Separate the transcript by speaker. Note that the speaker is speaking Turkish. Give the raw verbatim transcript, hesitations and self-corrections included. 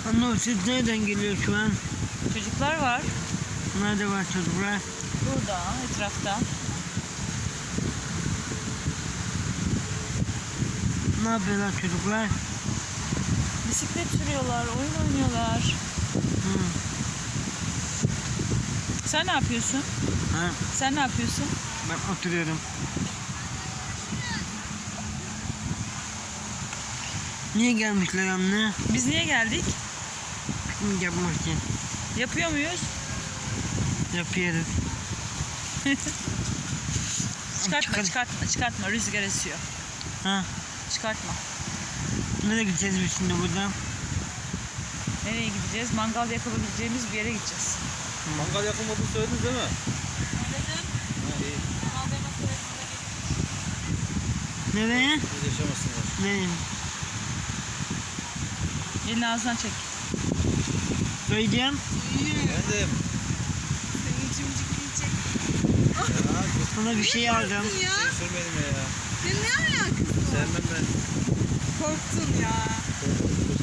Speaker 1: Anne o ses nereden geliyor şu an?
Speaker 2: Çocuklar var.
Speaker 1: Nerede var çocuklar?
Speaker 2: Burada, etrafta.
Speaker 1: Ne yapıyorlar çocuklar?
Speaker 2: Bisiklet sürüyorlar, oyun oynuyorlar.
Speaker 1: Hı.
Speaker 2: Sen ne yapıyorsun?
Speaker 1: Ha,
Speaker 2: Sen ne yapıyorsun?
Speaker 1: ben oturuyorum. Niye gelmişler anne?
Speaker 2: Biz niye geldik?
Speaker 1: Piknik yapmak için.
Speaker 2: Yapıyor muyuz?
Speaker 1: Yapıyoruz.
Speaker 2: Çıkartma,
Speaker 1: Çıkar-
Speaker 2: çıkartma, çıkartma. Rüzgar esiyor.
Speaker 1: Ha,
Speaker 2: Çıkartma.
Speaker 1: nereye gideceğiz biz şimdi buradan?
Speaker 2: Nereye gideceğiz? Mangal yakabileceğimiz bir yere gideceğiz.
Speaker 3: Mangal yakılmadığını söylediniz değil mi?
Speaker 4: Söyledim.
Speaker 3: Ha, iyi.
Speaker 4: Kanal Dema Sırası'nda geçmiş.
Speaker 1: Nereye?
Speaker 3: Siz yaşamasınlar.
Speaker 1: Nereye?
Speaker 2: Elini ağzından çek.
Speaker 1: Söyleyeceğim.
Speaker 3: Efendim.
Speaker 4: Seni cimcik yiyecek.
Speaker 3: Ya,
Speaker 1: Sana bir şey alacağım.
Speaker 4: Ya.
Speaker 3: şey sürmedim ya.
Speaker 4: Ya ne alakası var?
Speaker 3: Sevmem ben.
Speaker 4: Korktun ya.